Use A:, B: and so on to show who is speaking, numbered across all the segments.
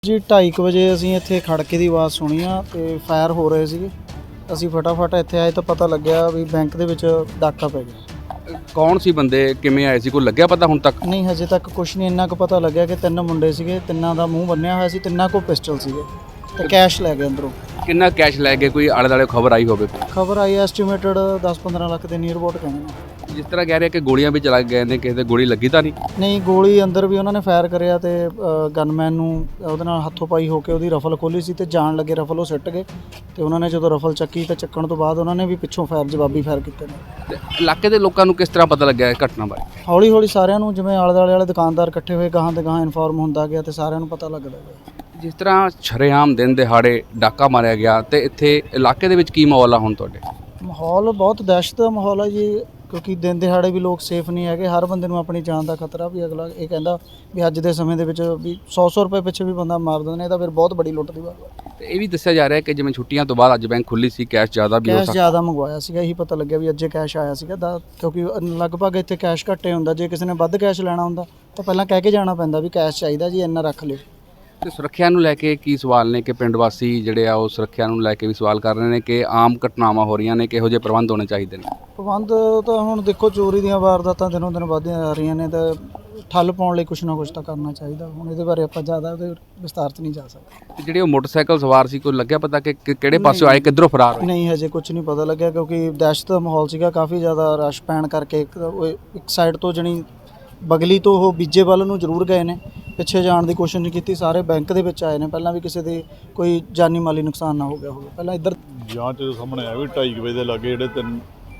A: ਜੀ 2:30 ਵਜੇ ਅਸੀਂ ਇੱਥੇ ਖੜਕੇ ਦੀ ਆਵਾਜ਼ ਸੁਣੀ ਆ ਤੇ ਫਾਇਰ ਹੋ ਰਹੇ ਸੀਗੇ। ਅਸੀਂ ਫਟਾਫਟ ਇੱਥੇ ਆਏ ਤਾਂ ਪਤਾ ਲੱਗਿਆ ਵੀ ਬੈਂਕ ਦੇ ਵਿੱਚ ਡਾਕਾ ਪੈ ਗਿਆ।
B: ਕੌਣ ਸੀ ਬੰਦੇ, ਕਿਵੇਂ ਆਏ ਸੀ, ਕੋਈ ਲੱਗਿਆ ਪਤਾ ਹੁਣ ਤੱਕ?
A: ਨਹੀਂ ਹਜੇ ਤੱਕ ਕੁਛ ਨਹੀਂ, ਇੰਨਾ ਕੁ ਪਤਾ ਲੱਗਿਆ ਕਿ 3 ਮੁੰਡੇ ਸੀਗੇ, ਤਿੰਨਾਂ ਦਾ ਮੂੰਹ ਬੰਨਿਆ ਹੋਇਆ ਸੀ, ਤਿੰਨਾਂ ਕੋਲ ਪਿਸਟਲ ਸੀਗੇ ਤੇ ਕੈਸ਼ ਲੈ ਗਏ ਅੰਦਰੋਂ।
B: ਕਿੰਨਾ ਕੈਸ਼ ਲੈ ਗਏ, ਕੋਈ ਆਲੇ ਦੁਆਲੇ ਖਬਰ ਆਈ ਹੋਵੇ?
A: ਖਬਰ ਆਈ ਐਸਟੀਮੇਟਡ 10-15 ਲੱਖ ਦੇ ਨੀਅਰ ਅਬਾਊਟ ਕਹਿੰਦੇ ਨੇ।
B: ਜਿਸ ਤਰ੍ਹਾਂ ਕਹਿ ਰਹੇ ਕਿ ਗੋਲੀਆਂ ਵੀ ਚਲਾ ਗਏ ਨੇ, ਕਿਸੇ ਤੇ ਗੋਲੀ ਲੱਗੀ ਤਾਂ ਨਹੀਂ?
A: ਨਹੀਂ, ਗੋਲੀ ਅੰਦਰ ਵੀ ਉਹਨਾਂ ਨੇ ਫਾਇਰ ਕਰਿਆ ਤੇ ਗਨਮੈਨ ਨੂੰ ਉਹਦੇ ਨਾਲ ਹੱਥੋਂ ਪਾਈ ਹੋ ਕੇ ਉਹਦੀ ਰਫਲ ਖੋਲੀ ਸੀ ਤੇ ਜਾਣ ਲੱਗੇ ਰਫਲ ਉਹ ਸਿੱਟ ਗਏ ਤੇ ਉਹਨਾਂ ਨੇ ਜਦੋਂ ਰਫਲ ਚੱਕੀ ਤਾਂ ਚੱਕਣ ਤੋਂ ਬਾਅਦ ਉਹਨਾਂ ਨੇ ਵੀ ਪਿੱਛੋਂ ਜਵਾਬੀ ਫਾਇਰ ਕੀਤੇ ਨੇ।
B: ਤੇ ਇਲਾਕੇ ਦੇ ਲੋਕਾਂ ਨੂੰ ਕਿਸ ਤਰ੍ਹਾਂ ਪਤਾ ਲੱਗਿਆ ਇਹ ਘਟਨਾ ਬਾਰੇ?
A: ਹੌਲੀ ਹੌਲੀ ਸਾਰਿਆਂ ਨੂੰ, ਜਿਵੇਂ ਆਲੇ ਦੁਆਲੇ ਵਾਲੇ ਦੁਕਾਨਦਾਰ ਇਕੱਠੇ ਹੋਏ, ਗਾਹਾਂ ਤੇ ਗਾਹਾਂ ਇਨਫੋਰਮ ਹੁੰਦਾ ਗਿਆ ਤੇ ਸਾਰਿਆਂ ਨੂੰ ਪਤਾ ਲੱਗਦਾ ਗਿਆ।
B: ਜਿਸ ਤਰ੍ਹਾਂ ਸ਼ਰੇਆਮ ਦਿਨ ਦਿਹਾੜੇ ਡਾਕਾ ਮਾਰਿਆ ਗਿਆ ਤੇ ਇੱਥੇ ਇਲਾਕੇ ਦੇ ਵਿੱਚ ਕੀ ਮਾਹੌਲ ਆ ਹੁਣ ਤੁਹਾਡੇ?
A: ਮਾਹੌਲ ਬਹੁਤ ਦਹਿਸ਼ਤ ਦਾ ਮਾਹੌਲ ਹੈ ਜੀ, ਕਿਉਂਕਿ ਦਿਨ ਦਿਹਾੜੇ ਵੀ ਲੋਕ ਸੇਫ ਨਹੀਂ ਹੈਗੇ। ਹਰ ਬੰਦੇ ਨੂੰ ਆਪਣੀ ਜਾਨ ਦਾ ਖਤਰਾ ਵੀ। ਅਗਲਾ ਇਹ ਕਹਿੰਦਾ ਵੀ ਅੱਜ ਦੇ ਸਮੇਂ ਦੇ ਵਿੱਚ ਵੀ 100 ਰੁਪਏ ਪਿੱਛੇ ਵੀ ਬੰਦਾ ਮਾਰ ਦਿੰਦੇ ਨੇ, ਇਹ ਤਾਂ ਫਿਰ ਬਹੁਤ ਵੱਡੀ ਲੁੱਟ ਦੀ ਬਾਤ ਹੈ।
B: ਤੇ ਇਹ ਵੀ ਦੱਸਿਆ ਜਾ ਰਿਹਾ ਕਿ ਜਿਵੇਂ ਛੁੱਟੀਆਂ ਤੋਂ ਬਾਅਦ ਅੱਜ ਬੈਂਕ ਖੁੱਲੀ ਸੀ, ਕੈਸ਼ ਜ਼ਿਆਦਾ ਵੀ ਹੋ
A: ਕੈਸ਼
B: ਸਕਦਾ।
A: ਜ਼ਿਆਦਾ ਮੰਗਵਾਇਆ ਸੀਗਾ, ਇਹੀ ਪਤਾ ਲੱਗਿਆ ਵੀ ਅੱਜੇ ਕੈਸ਼ ਆਇਆ ਸੀਗਾ ਕਿਉਂਕਿ ਲਗਭਗ ਇੱਥੇ ਕੈਸ਼ ਘੱਟੇ ਹੁੰਦਾ। ਜੇ ਕਿਸੇ ਨੇ ਵੱਧ ਕੈਸ਼ ਲੈਣਾ ਹੁੰਦਾ ਤਾਂ ਪਹਿਲਾਂ ਕਹਿ ਕੇ ਜਾਣਾ ਪੈਂਦਾ ਵੀ ਕੈਸ਼ ਚਾਹੀਦਾ ਜੀ, ਇੰਨਾ ਰੱਖ ਲਿਓ।
B: ਤੇ ਸੁਰੱਖਿਆ ਨੂੰ ਲੈ ਕੇ ਕੀ ਸਵਾਲ ਨੇ ਕਿ ਪਿੰਡ ਵਾਸੀ ਜਿਹੜੇ ਆ ਉਹ ਸੁਰੱਖਿਆ ਨੂੰ ਲੈ ਕੇ ਵੀ ਸਵਾਲ ਕਰ ਰਹੇ ਨੇ ਕਿ ਆਮ ਘਟਨਾਵਾਂ ਹੋ ਰਹੀਆਂ ਨੇ, ਕਿਹੋ ਜਿਹੇ ਪ੍ਰਬੰਧ ਹੋਣੇ ਚਾਹੀਦੇ ਨੇ?
A: ਪ੍ਰਬੰਧ ਤਾਂ ਹੁਣ ਦੇਖੋ, ਚੋਰੀ ਦੀਆਂ ਵਾਰਦਾਤਾਂ ਦਿਨੋਂ ਦਿਨ ਵੱਧਦੀਆਂ ਜਾ ਰਹੀਆਂ ਨੇ ਤਾਂ ਠੱਲ ਪਾਉਣ ਲਈ ਕੁਛ ਨਾ ਕੁਛ ਤਾਂ ਕਰਨਾ ਚਾਹੀਦਾ। ਹੁਣ ਇਹਦੇ ਬਾਰੇ ਆਪਾਂ ਜ਼ਿਆਦਾ ਉਹਦੇ ਵਿਸਤਾਰ 'ਚ ਨਹੀਂ ਜਾ ਸਕਦੇ।
B: ਤੇ ਜਿਹੜੇ ਉਹ ਮੋਟਰਸਾਈਕਲ ਸਵਾਰ ਸੀ, ਕੋਈ ਲੱਗਿਆ ਪਤਾ ਕਿ ਕਿਹੜੇ ਪਾਸਿਓਂ ਆਏ, ਕਿੱਧਰੋਂ ਫਰਾਰ ਹੋਏ?
A: ਨਹੀਂ, ਹਜੇ ਕੁਝ ਨਹੀਂ ਪਤਾ ਲੱਗਿਆ ਕਿਉਂਕਿ ਦਹਿਸ਼ਤ ਦਾ ਮਾਹੌਲ ਸੀਗਾ, ਕਾਫੀ ਜ਼ਿਆਦਾ ਰਸ਼ ਪੈਣ ਕਰਕੇ ਇੱਕ ਸਾਈਡ ਤੋਂ ਜਣੀ ਬਗਲੀ ਤੋਂ ਉਹ ਬੀਜੇ ਵੱਲ ਨੂੰ ਜ਼ਰੂਰ ਗਏ ਨੇ, ਪਿੱਛੇ ਜਾਣ ਦੀ ਕੋਸ਼ਿਸ਼ ਨਹੀਂ ਕੀਤੀ। ਸਾਰੇ ਬੈਂਕ ਦੇ ਵਿੱਚ ਆਏ ਨੇ, ਪਹਿਲਾਂ ਵੀ ਕਿਸੇ ਦੇ ਕੋਈ ਜਾਨੀ ਮਾਲੀ ਨੁਕਸਾਨ ਨਾ ਹੋ ਗਿਆ ਹੋਵੇ। ਪਹਿਲਾਂ ਇੱਧਰ
C: ਜਾਂਚ ਦੇ ਸਾਹਮਣੇ ਆਇਆ ਵੀ 2:30 ਵਜੇ ਦੇ ਲਾਗੇ ਜਿਹੜੇ 3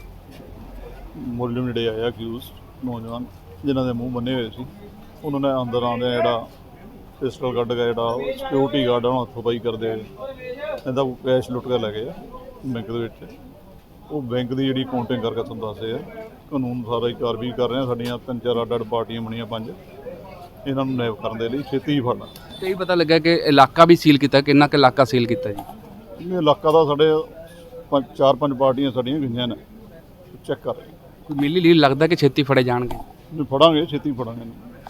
C: ਮੁਲਜ਼ਮ ਜਿਹੜੇ ਆਏ ਅਕਿਊਜ਼ ਨੌਜਵਾਨ, ਜਿਨ੍ਹਾਂ ਦੇ ਮੂੰਹ ਬੰਨੇ ਹੋਏ ਸੀ, ਉਹਨਾਂ ਨੇ ਅੰਦਰ ਆਉਂਦਿਆਂ ਜਿਹੜਾ ਪਿਸਟਲ ਕੱਢ ਕੇ ਜਿਹੜਾ ਸਿਕਿਉਰਿਟੀ ਗਾਰਡ ਉਹਨਾਂ ਹੱਥੋਂ ਪਾਈ ਕਰਦੇ ਇਹਦਾ ਕੈਸ਼ ਲੁੱਟ ਕੇ ਲੈ ਗਏ ਆ ਬੈਂਕ ਦੇ ਵਿੱਚ। ਉਹ ਬੈਂਕ ਦੀ ਜਿਹੜੀ ਕਾਊਂਟਿੰਗ ਕਰਕੇ ਤੁਹਾਨੂੰ ਦੱਸਦੇ ਆ, ਕਾਨੂੰਨ ਸਾਰਾ ਹੀ ਕਾਰਵਾਈ ਕਰ ਰਹੇ ਆ। ਸਾਡੀਆਂ 3-4 ਅੱਡ-ਅੱਡ ਪਾਰਟੀਆਂ ਬਣੀਆਂ, 5, ਇਹਨਾਂ ਨੂੰ ਨੈਬ ਕਰਨ ਦੇ ਲਈ ਛੇਤੀ ਹੀ ਫੜਨਾ।
B: ਤੇ ਇਹ ਪਤਾ ਲੱਗਾ ਕਿ ਇਲਾਕਾ ਵੀ ਸੀਲ ਕੀਤਾ, ਕਿੰਨਾ ਕੁ ਇਲਾਕਾ ਸੀਲ ਕੀਤਾ ਜੀ?
C: ਇਹ ਇਲਾਕਾ ਦਾ ਸਾਡੇ 4-5 ਪਾਰਟੀਆਂ ਸਾਡੀਆਂ ਗਈਆਂ ਨੇ, ਚੈੱਕ ਕਰ ਰਹੇ।
B: ਕੋਈ ਮਿਲੀ ਲੀਲ ਲੱਗਦਾ ਕਿ ਛੇਤੀ ਫੜੇ ਜਾਣਗੇ?
C: ਨਹੀਂ, ਫੜਾਂਗੇ, ਛੇਤੀ ਫੜਾਂਗੇ।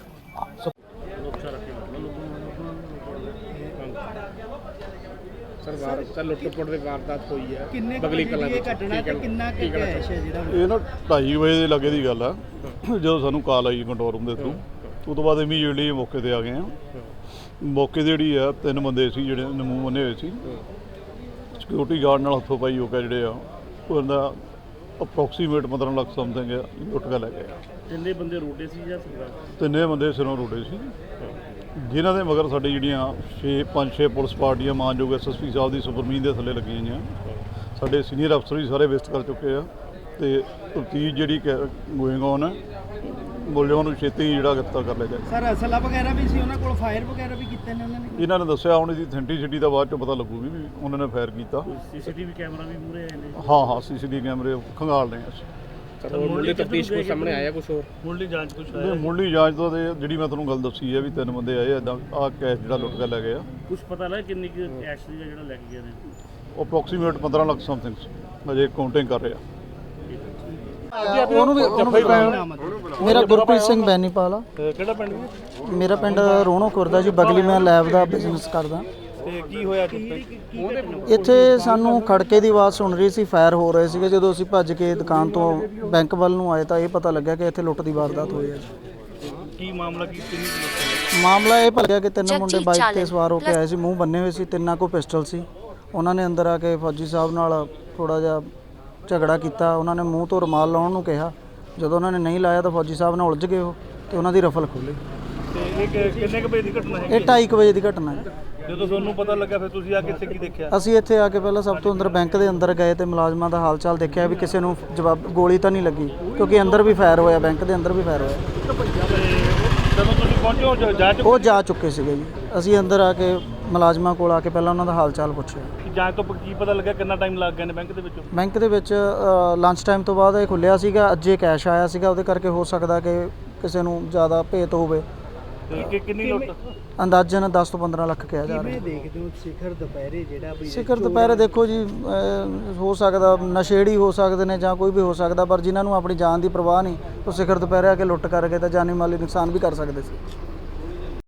D: ਸਰ ਲੁੱਟ-ਪੁੱਟ ਦੀ ਵਾਰਦਾਤ ਹੋਈ ਹੈ ਬਗਲੀ ਕਲਾਂ ਵਿੱਚ, ਘਟਨਾ ਤੇ ਕਿੰਨਾ ਕੁ ਕੈਸ਼ ਹੈ ਜਿਹੜਾ?
C: ਇਹ ਨਾ 2:30 ਵਜੇ ਦੇ ਲਾਗੇ ਦੀ ਗੱਲ ਆ, ਜਦੋਂ ਸਾਨੂੰ ਕਾਲ ਆਈ ਕੰਟਰੋਲ ਰੂਮ ਦੇ ਥਰੂ। ਉਹ ਤੋਂ ਬਾਅਦ ਇਮੀਡੀਏਟਲੀ ਮੌਕੇ 'ਤੇ ਆ ਗਏ ਆ। ਮੌਕੇ 'ਤੇ ਜਿਹੜੀ ਆ 3 ਬੰਦੇ ਸੀ ਜਿਹੜੇ ਮੂੰਹ ਬੰਨੇ ਹੋਏ ਸੀ, ਸਿਕਿਉਰਿਟੀ ਗਾਰਡ ਨਾਲ ਹੱਥੋਂ ਪਾਈ ਹੋ ਕੇ ਜਿਹੜੇ ਆ ਉਹਦਾ ਅਪਰੋਕਸੀਮੇਟ 15 ਲੱਖ ਸਮਥਿੰਗ ਲੁੱਟ ਕੇ ਲੈ ਗਏ ਆ।
D: ਤਿੰਨੇ ਬੰਦੇ ਰੋਡੇ ਸੀ ਜਾਂ ਸਰਦਾਰ?
C: ਤਿੰਨੇ ਬੰਦੇ ਸਿਰੋਂ ਰੋਡੇ ਸੀ, ਜਿਨ੍ਹਾਂ ਦੇ ਮਗਰ ਸਾਡੀ ਜਿਹੜੀਆਂ 5-6 ਪੁਲਿਸ ਪਾਰਟੀਆਂ ਮਾਨਯੋਗ ਐਸਐਸਪੀ ਸਾਹਿਬ ਦੀ ਸੁਪਰਮੀਨ ਦੇ ਥੱਲੇ ਲੱਗੀਆਂ ਹੋਈਆਂ। ਸਾਡੇ ਸੀਨੀਅਰ ਅਫਸਰ ਵੀ ਸਾਰੇ ਵਿਜ਼ਿਟ ਕਰ ਚੁੱਕੇ ਆ ਤੇ ਤਫਤੀਸ਼ ਜਿਹੜੀ ਗੋਇੰਗ ਔਨ ਹੈ। ਮੁਲਜ਼ਮਾਂ ਨੂੰ ਛੇਤੀ ਜਿਹੜਾ ਗ੍ਰਿਫਤਾਰ ਕਰ ਲਿਆ ਜਾਏ।
D: ਸਰ ਅਸਲਾ ਵਗੈਰਾ ਵੀ ਸੀ ਉਹਨਾਂ ਕੋਲ, ਫਾਇਰ ਵਗੈਰਾ ਵੀ ਕੀਤੇ ਨੇ ਉਹਨਾਂ ਨੇ?
C: ਇਹਨਾਂ ਨੇ ਦੱਸਿਆ, ਹੁਣ ਇਹਦੀ ਅਥੈਂਟਿਸਿਟੀ ਦਾ ਬਾਅਦ 'ਚੋਂ ਪਤਾ ਲੱਗੂਗੀ ਵੀ ਉਹਨਾਂ ਨੇ ਫਾਇਰ ਕੀਤਾ।
D: ਸੀਸੀਟੀਵੀ ਕੈਮਰਾ ਵੀ ਮੂਹਰੇ ਆਏ ਨੇ?
C: ਹਾਂ, ਸੀਸੀਟੀਵੀ ਕੈਮਰੇ ਖੰਗਾਲ ਰਹੇ ਅਸੀਂ।
D: ਸਰ ਮੁੱਢਲੀ ਤਫਤੀਸ਼ ਕੋਈ ਸਾਹਮਣੇ ਆਇਆ ਕੁਝ ਹੋਰ? ਮੁੱਢਲੀ ਜਾਂਚ ਕੁਝ ਆਇਆ?
C: ਮੁੱਢਲੀ ਜਾਂਚ ਤੋਂ ਜਿਹੜੀ ਮੈਂ ਤੁਹਾਨੂੰ ਗੱਲ ਦੱਸੀ ਹੈ ਵੀ 3 ਬੰਦੇ ਆਏ ਇੱਦਾਂ, ਆਹ ਕੈਸ਼ ਜਿਹੜਾ ਲੁੱਟ ਕੇ ਲੈ ਗਏ ਆ।
D: ਕੁਝ ਪਤਾ ਲੱਗਾ ਕਿੰਨੀ ਕੁ ਕੈਸ਼ ਸੀ ਜਿਹੜਾ ਲੈ ਕੇ ਗਏ ਨੇ?
C: ਉਹ ਅਪਰੋਕਸੀਮੇਟ 15 ਲੱਖ ਸਮਥਿੰਗ ਅਜੇ ਕਾਊਂਟਿੰਗ ਕਰ ਰਹੇ ਆ।
A: ਉਹਨੂੰ ਵੀ ਮੇਰਾ ਗੁਰਪ੍ਰੀਤ ਸਿੰਘ ਬੈਨੀਪਾਲ ਆ।
D: ਕਿਹੜਾ ਪਿੰਡ?
A: ਮੇਰਾ ਪਿੰਡ ਰੋਣੋ ਖੁਰਦਾ ਜੀ। ਬਗਲੀ ਮੈਂ ਲੈਬ ਦਾ ਬਿਜ਼ਨਸ ਕਰਦਾ।
D: ਤੇ ਕੀ ਹੋਇਆ
A: ਇੱਥੇ ਸਾਨੂੰ ਖੜਕੇ ਦੀ ਆਵਾਜ਼ ਸੁਣ ਰਹੀ ਸੀ, ਫਾਇਰ ਹੋ ਰਹੇ ਸੀਗੇ। ਜਦੋਂ ਅਸੀਂ ਭੱਜ ਕੇ ਦੁਕਾਨ ਤੋਂ ਬੈਂਕ ਵੱਲ ਨੂੰ ਆਏ ਤਾਂ ਇਹ ਪਤਾ ਲੱਗਿਆ ਕਿ ਇੱਥੇ ਲੁੱਟ ਦੀ ਵਾਰਦਾਤ ਹੋਈ ਹੈ।
D: ਕੀ ਮਾਮਲਾ ਕੀ ਸੀ?
A: ਮਾਮਲਾ ਇਹ ਭਲ ਗਿਆ ਕਿ 3 ਮੁੰਡੇ ਬਾਈਕ ਤੇ ਸਵਾਰ ਹੋ ਕੇ ਆਏ ਸੀ, ਮੂੰਹ ਬੰਨੇ ਹੋਏ ਸੀ, ਤਿੰਨਾਂ ਕੋਲ ਪਿਸਟਲ ਸੀ। ਉਹਨਾਂ ਨੇ ਅੰਦਰ ਆ ਕੇ ਫੌਜੀ ਸਾਹਿਬ ਨਾਲ ਥੋੜ੍ਹਾ ਜਿਹਾ ਝਗੜਾ ਕੀਤਾ। ਉਹਨਾਂ ਨੇ ਮੂੰਹ ਤੋਂ ਰੁਮਾਲ ਲਾਉਣ ਨੂੰ ਕਿਹਾ, ਜਦੋਂ ਉਹਨਾਂ ਨੇ ਨਹੀਂ ਲਾਇਆ ਤਾਂ ਫੌਜੀ ਸਾਹਿਬ ਨਾਲ ਉਲਝ ਗਏ ਉਹ ਤੇ ਉਹਨਾਂ ਦੀ ਰਫਲ ਖੋਲ੍ਹੀ।
D: ਤੇ ਇਹ ਕਿੰਨੇ ਕੁ ਵਜੇ ਦੀ ਘਟਨਾ ਹੈ?
A: ਇਹ 2:30 ਵਜੇ ਦੀ ਘਟਨਾ ਹੈ।
D: ਜਦੋਂ ਤੁਹਾਨੂੰ ਪਤਾ ਲੱਗਾ ਫਿਰ ਤੁਸੀਂ ਆ ਕੇ ਇੱਥੇ ਕੀ ਦੇਖਿਆ?
A: ਅਸੀਂ ਇੱਥੇ ਆ ਕੇ ਪਹਿਲਾਂ ਸਭ ਤੋਂ ਅੰਦਰ ਬੈਂਕ ਦੇ ਅੰਦਰ ਗਏ ਤੇ ਮੁਲਾਜ਼ਮਾਂ ਦਾ ਹਾਲ ਚਾਲ ਦੇਖਿਆ ਵੀ ਕਿਸੇ ਨੂੰ ਗੋਲੀ ਤਾਂ ਨਹੀਂ ਲੱਗੀ, ਕਿਉਂਕਿ ਅੰਦਰ ਵੀ ਫਾਇਰ ਹੋਇਆ, ਬੈਂਕ ਦੇ ਅੰਦਰ ਵੀ ਫਾਇਰ ਹੋਇਆ।
D: ਜਦੋਂ ਤੁਸੀਂ ਪਹੁੰਚੇ
A: ਉਹ ਜਾ ਚੁੱਕੇ ਸੀਗੇ ਜੀ। ਅਸੀਂ ਅੰਦਰ ਆ ਕੇ ਮੁਲਾਜ਼ਮਾਂ ਕੋਲ ਆ ਕੇ ਪਹਿਲਾਂ ਉਹਨਾਂ ਦਾ ਹਾਲ ਚਾਲ ਪੁੱਛਿਆ।
D: ਜਾਂਚ ਤੋਂ ਕੀ ਪਤਾ ਲੱਗਾ ਕਿੰਨਾ ਟਾਈਮ ਲੱਗ ਗਿਆ ਨੇ ਬੈਂਕ ਦੇ ਵਿੱਚੋਂ?
A: ਬੈਂਕ ਦੇ ਵਿੱਚ ਲੰਚ ਟਾਈਮ ਤੋਂ ਬਾਅਦ ਇਹ ਖੁੱਲਿਆ ਸੀਗਾ। ਅੱਜੇ ਕੈਸ਼ ਆਇਆ ਸੀਗਾ, ਉਹਦੇ ਕਰਕੇ ਹੋ ਸਕਦਾ ਕਿ ਕਿਸੇ ਨੂੰ ਜ਼ਿਆਦਾ ਭੇਤ ਹੋਵੇ।
D: ਤੇ ਕਿੰਨੀ ਲੁੱਟ?
A: ਅੰਦਾਜ਼ਨ 10 ਤੋਂ 15 ਲੱਖ ਕਿਹਾ ਜਾ ਰਿਹਾ।
D: ਕਿਵੇਂ ਦੇਖਦੇ ਹੋ ਸਿਖਰ ਦੁਪਹਿਰੇ ਜਿਹੜਾ ਵੀ?
A: ਸਿਖਰ ਦੁਪਹਿਰੇ ਦੇਖੋ ਜੀ, ਹੋ ਸਕਦਾ ਨਸ਼ੇੜੀ ਹੋ ਸਕਦੇ ਨੇ ਜਾਂ ਕੋਈ ਵੀ ਹੋ ਸਕਦਾ, ਪਰ ਜਿਨ੍ਹਾਂ ਨੂੰ ਆਪਣੀ ਜਾਨ ਦੀ ਪਰਵਾਹ ਨਹੀਂ, ਉਹ ਸਿਖਰ ਦੁਪਹਿਰੇ ਆ ਕੇ ਲੁੱਟ ਕਰਕੇ ਤਾਂ ਜਾਨੀ ਮਾਲੀ ਨੁਕਸਾਨ ਵੀ ਕਰ ਸਕਦੇ ਸੀ।